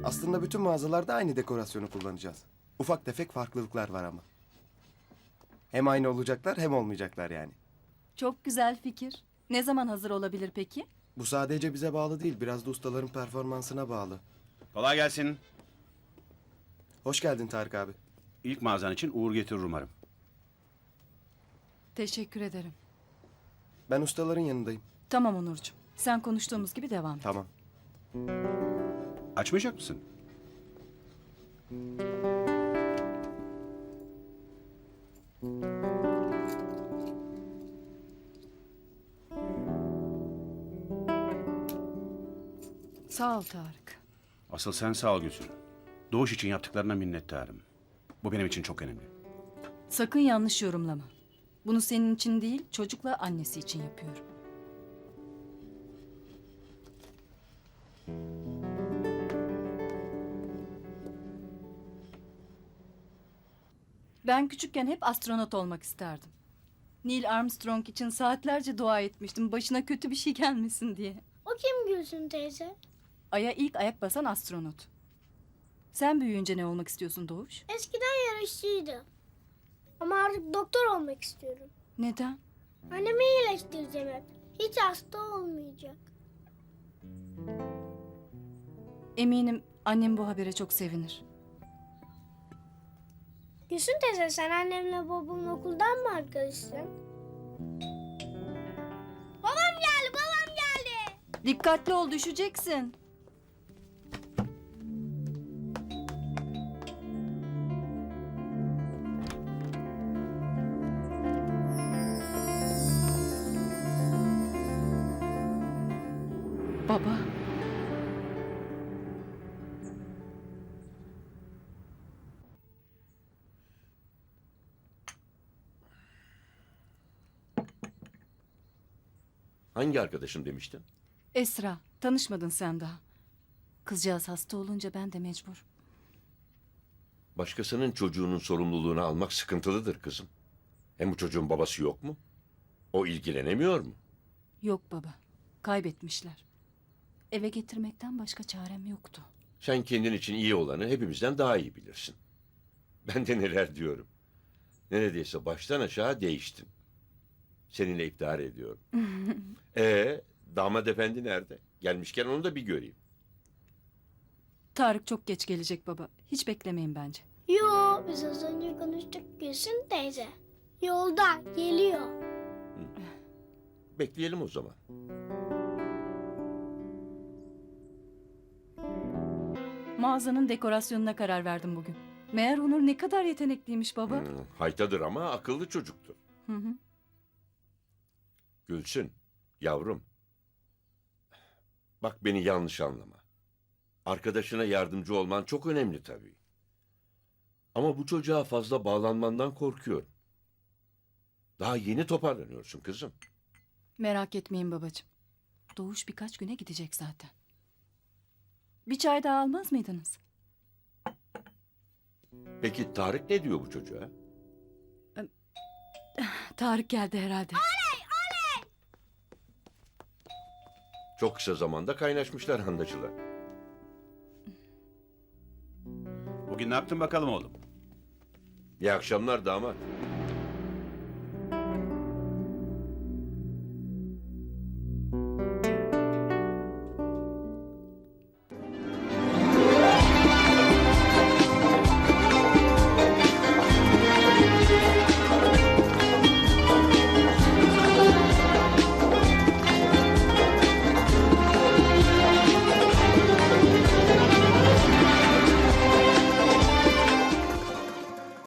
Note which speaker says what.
Speaker 1: Aslında bütün mağazalarda aynı dekorasyonu kullanacağız. Ufak tefek farklılıklar var ama. Hem aynı olacaklar hem olmayacaklar yani.
Speaker 2: Çok güzel fikir. Ne zaman hazır olabilir peki?
Speaker 1: Bu sadece bize bağlı değil, biraz da ustaların performansına bağlı.
Speaker 3: Kolay gelsin.
Speaker 1: Hoş geldin Tarık abi.
Speaker 3: İlk mağazan için uğur getirir umarım.
Speaker 2: Teşekkür ederim.
Speaker 1: Ben ustaların yanındayım.
Speaker 2: Tamam Onurcuğum. Sen konuştuğumuz gibi devam et.
Speaker 1: Tamam.
Speaker 3: Açmayacak mısın?
Speaker 2: Sağ ol Tarık.
Speaker 3: Asıl sen sağ ol Gülsün. Doğuş için yaptıklarına minnettarım. Bu benim için çok önemli.
Speaker 2: Sakın yanlış yorumlama. Bunu senin için değil, çocukla annesi için yapıyorum. Ben küçükken hep astronot olmak isterdim. Neil Armstrong için saatlerce dua etmiştim başına kötü bir şey gelmesin diye.
Speaker 4: O kim Gülsün teyze?
Speaker 2: Ay'a ilk ayak basan astronot. Sen büyüyünce ne olmak istiyorsun Doğuş?
Speaker 4: Eskiden yarışçıydı. Ama artık doktor olmak istiyorum.
Speaker 2: Neden?
Speaker 4: Annemi iyileştireceğim hep. Hiç hasta olmayacak.
Speaker 2: Eminim annem bu habere çok sevinir.
Speaker 4: Gülsün teyze sen annemle babamın okuldan mı arkadaşsın? Babam geldi, babam geldi.
Speaker 2: Dikkatli ol, düşeceksin. Baba.
Speaker 5: Hangi arkadaşım demiştin?
Speaker 2: Esra, tanışmadın sen daha. Kızcağız hasta olunca ben de mecbur.
Speaker 5: Başkasının çocuğunun sorumluluğunu almak sıkıntılıdır kızım. Hem bu çocuğun babası yok mu? O ilgilenemiyor mu?
Speaker 2: Yok baba, kaybetmişler. Eve getirmekten başka çarem yoktu.
Speaker 5: Sen kendin için iyi olanı hepimizden daha iyi bilirsin. Ben de neler diyorum. Neredeyse baştan aşağı değiştin. Seninle iftihar ediyorum. Damat efendi nerede? Gelmişken onu da bir göreyim.
Speaker 2: Tarık çok geç gelecek baba. Hiç beklemeyin bence.
Speaker 4: Yo, biz az önce konuştuk Gülsün teyze. Yolda, geliyor.
Speaker 5: Bekleyelim o zaman.
Speaker 2: Mağazanın dekorasyonuna karar verdim bugün. Meğer Onur ne kadar yetenekliymiş baba.
Speaker 5: Haytadır ama akıllı çocuktur.
Speaker 2: Hı hı.
Speaker 5: Gülsün, yavrum. Bak beni yanlış anlama. Arkadaşına yardımcı olman çok önemli tabii. Ama bu çocuğa fazla bağlanmandan korkuyorum. Daha yeni toparlanıyorsun kızım.
Speaker 2: Merak etmeyin babacığım. Doğuş birkaç güne gidecek zaten. Bir çay daha almaz mıydınız?
Speaker 5: Peki Tarık ne diyor bu çocuğa?
Speaker 2: Tarık geldi herhalde.
Speaker 5: Çok kısa zamanda kaynaşmışlar anlaşılan.
Speaker 3: Bugün ne yaptın bakalım oğlum?
Speaker 5: İyi akşamlar damat.